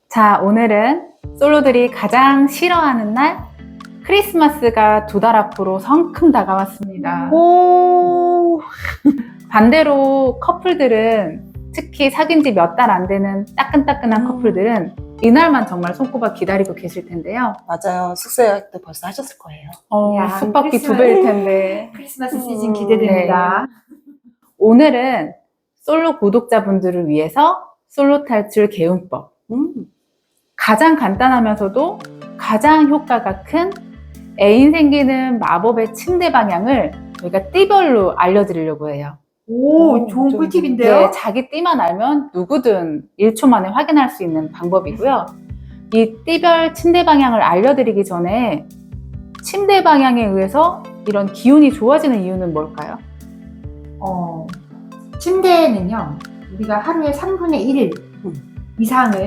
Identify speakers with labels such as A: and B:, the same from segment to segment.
A: 자, 오늘은 솔로들이 가장 싫어하는 날, 크리스마스가 2달 앞으로 성큼 다가왔습니다.
B: 오,
A: 반대로 커플들은, 특히 사귄 지 몇 달 안 되는 따끈따끈한 커플들은 이날만 정말 손꼽아 기다리고 계실 텐데요.
B: 맞아요. 숙소 예약도 벌써 하셨을 거예요.
C: 야,
A: 숙박비
C: 크리스마스.
A: 2배일 텐데.
C: 크리스마스 시즌 기대됩니다.
A: 오늘은 솔로 구독자분들을 위해서 솔로 탈출 개운법. 가장 간단하면서도 가장 효과가 큰 애인 생기는 마법의 침대 방향을 저희가 띠별로 알려드리려고 해요.
C: 오, 좋은
B: 좀-
C: 꿀팁인데요?
A: 네, 자기 띠만 알면 누구든 1초 만에 확인할 수 있는 방법이고요. 이 띠별 침대 방향을 알려드리기 전에 침대 방향에 의해서 이런 기운이 좋아지는 이유는 뭘까요?
C: 침대는요, 우리가 하루에 3분의 1 이상을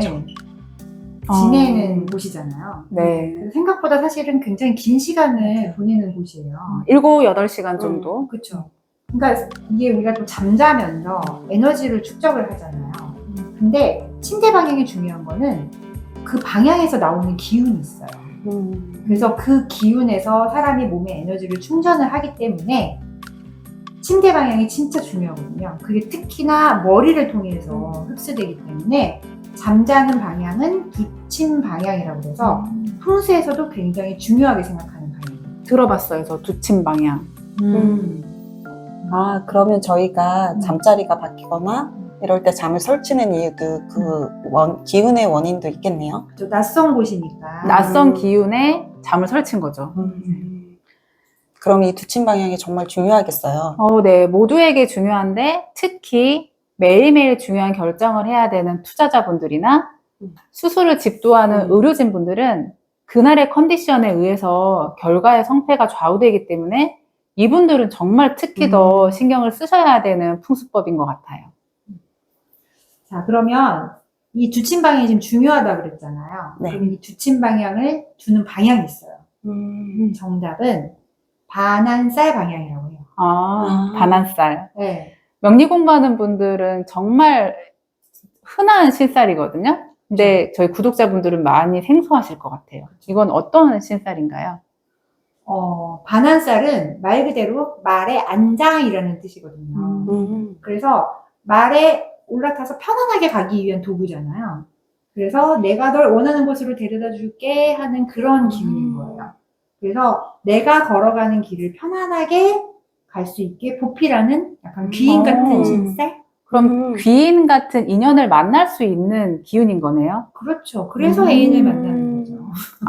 C: 지내는 곳이잖아요.
A: 네.
C: 그래서 생각보다 사실은 굉장히 긴 시간을 보내는 곳이에요.
A: 7, 8시간 정도.
C: 그렇죠. 그러니까 이게 우리가 또 잠자면서 에너지를 축적을 하잖아요. 근데 침대 방향이 중요한 거는 그 방향에서 나오는 기운이 있어요. 그래서 그 기운에서 사람이 몸에 에너지를 충전을 하기 때문에 침대 방향이 진짜 중요하거든요. 그게 특히나 머리를 통해서 흡수되기 때문에 잠자는 방향은 두침 방향이라고 해서 풍수에서도 굉장히 중요하게 생각하는 방향이에요.
A: 들어봤어요, 저 두침 방향.
B: 아, 그러면 저희가 잠자리가 바뀌거나 이럴 때 잠을 설치는 이유도 기운의 원인도 있겠네요.
C: 저 낯선 곳이니까.
A: 낯선 기운에 잠을 설친 거죠.
B: 그럼 이 두침 방향이 정말 중요하겠어요.
A: 네, 모두에게 중요한데 특히 매일매일 중요한 결정을 해야 되는 투자자분들이나 수술을 집도하는 의료진분들은 그날의 컨디션에 의해서 결과의 성패가 좌우되기 때문에 이분들은 정말 특히 더 신경을 쓰셔야 되는 풍수법인 것 같아요.
C: 자, 그러면 이 두침 방향이 지금 중요하다고 그랬잖아요.
B: 네.
C: 그럼 이 두침 방향을 두는 방향이 있어요. 정답은 반한살 방향이라고 해요.
A: 반한살.
C: 네.
A: 명리 공부하는 분들은 정말 흔한 신살이거든요. 근데 저희 구독자분들은 많이 생소하실 것 같아요. 이건 어떤 신살인가요?
C: 반한살은 말 그대로 말의 안장이라는 뜻이거든요. 그래서 말에 올라타서 편안하게 가기 위한 도구잖아요. 그래서 내가 널 원하는 곳으로 데려다 줄게 하는 그런 기운인 거예요. 그래서 내가 걸어가는 길을 편안하게 갈 수 있게 보필하는 약간 귀인 같은 신살?
A: 그럼 귀인 같은 인연을 만날 수 있는 기운인 거네요?
C: 그렇죠. 그래서 애인을 만나는 거죠.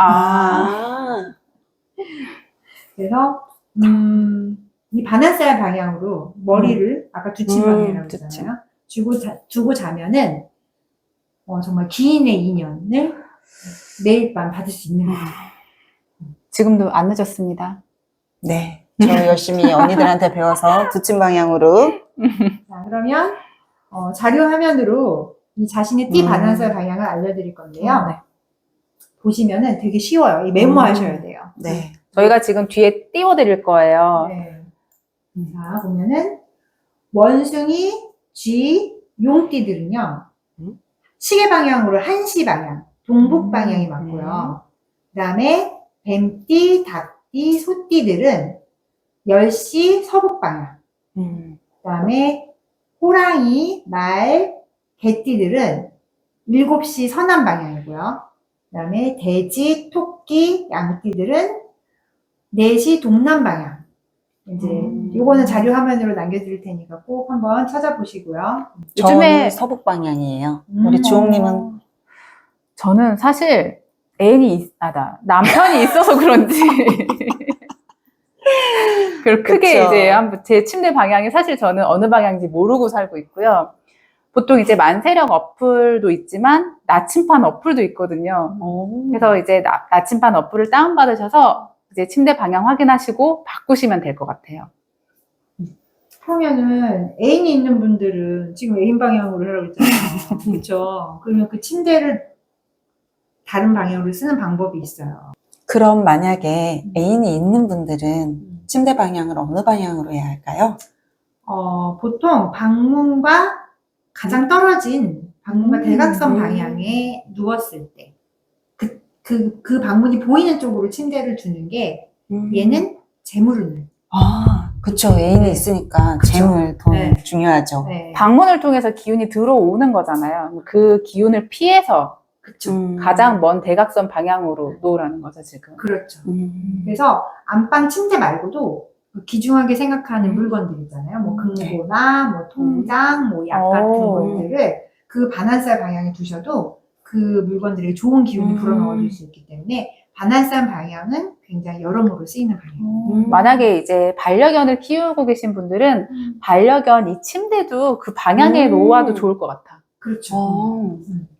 C: 그래서 이 반한살 방향으로 머리를 아까 두침 방향이라고 했잖아요. 두고 자면은 정말 귀인의 인연을 매일 밤 받을 수 있는 거예요.
A: 지금도 안 늦었습니다.
B: 네. 저 열심히 언니들한테 배워서 두침 방향으로.
C: 자, 그러면 자료 화면으로 이 자신의 띠 반한살 방향을 알려드릴 건데요.
A: 네.
C: 보시면은 되게 쉬워요. 이 메모하셔야 돼요.
B: 네.
A: 저희가 지금 뒤에 띄워드릴 거예요.
C: 네. 자, 보면은 원숭이, 쥐, 용띠들은요. 시계 방향으로 1시 방향, 동북 방향이 맞고요. 그 다음에 뱀띠, 닭띠, 소띠들은 10시 서북 방향. 그 다음에 호랑이, 말, 개띠들은 7시 서남 방향이고요. 그 다음에 돼지, 토끼, 양띠들은 4시 동남 방향. 이제 요거는 자료 화면으로 남겨드릴 테니까 꼭 한번 찾아보시고요.
A: 요즘에
B: 저는 서북 방향이에요. 우리 주홍님은
A: 저는 사실 남편이 있어서 그런지 별 크게
B: 그쵸.
A: 이제 제 침대 방향이 사실 저는 어느 방향인지 모르고 살고 있고요. 보통 이제 만세력 어플도 있지만 나침반 어플도 있거든요. 그래서 이제 나침반 어플을 다운받으셔서 이제 침대 방향 확인하시고 바꾸시면 될 것 같아요.
C: 그러면은 애인이 있는 분들은 지금 애인 방향으로 하라고 했잖아요. 그렇죠? 그러면 그 침대를 다른 방향으로 쓰는 방법이 있어요.
B: 그럼 만약에 애인이 있는 분들은 침대 방향을 어느 방향으로 해야 할까요?
C: 보통 방문과 가장 떨어진 방문과 대각선 방향에 누웠을 때, 그 방문이 보이는 쪽으로 침대를 두는 게 얘는 재물을.
B: 그쵸. 애인이 있으니까
C: 그쵸.
B: 재물 더
C: 네.
B: 중요하죠.
C: 네.
A: 방문을 통해서 기운이 들어오는 거잖아요. 그 기운을 피해서
C: 그쵸.
A: 가장 먼 대각선 방향으로 놓으라는 거죠, 지금.
C: 그렇죠. 그래서 안방 침대 말고도 귀중하게 생각하는 물건들 있잖아요. 뭐 금고나 뭐 통장, 뭐 약 같은
A: 오.
C: 것들을 그 반환살 방향에 두셔도 그 물건들이 좋은 기운이 불어넣어 줄 수 있기 때문에 반환살 방향은 굉장히 여러모로 쓰이는 방향이에요.
A: 만약에 이제 반려견을 키우고 계신 분들은 반려견 이 침대도 그 방향에 놓아도 좋을 것 같아.
C: 그렇죠.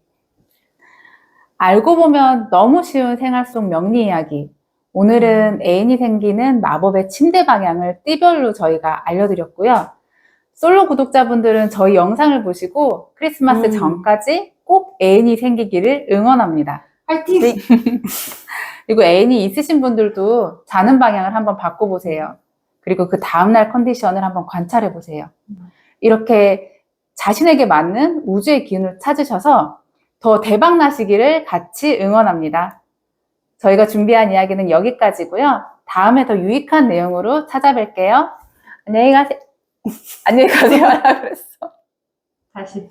A: 알고 보면 너무 쉬운 생활 속 명리 이야기. 오늘은 애인이 생기는 마법의 침대 방향을 띠별로 저희가 알려드렸고요. 솔로 구독자분들은 저희 영상을 보시고 크리스마스 전까지 꼭 애인이 생기기를 응원합니다.
C: 파이팅!
A: 그리고 애인이 있으신 분들도 자는 방향을 한번 바꿔보세요. 그리고 그 다음날 컨디션을 한번 관찰해보세요. 이렇게 자신에게 맞는 우주의 기운을 찾으셔서 더 대박 나시기를 같이 응원합니다. 저희가 준비한 이야기는 여기까지고요. 다음에 더 유익한 내용으로 찾아뵐게요. 안녕히 가세요. 안녕히 가세요. 하라 그랬어.
C: 다시.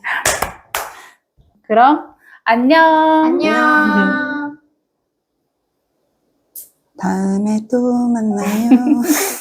A: 그럼 안녕.
C: 안녕.
B: 다음에 또 만나요.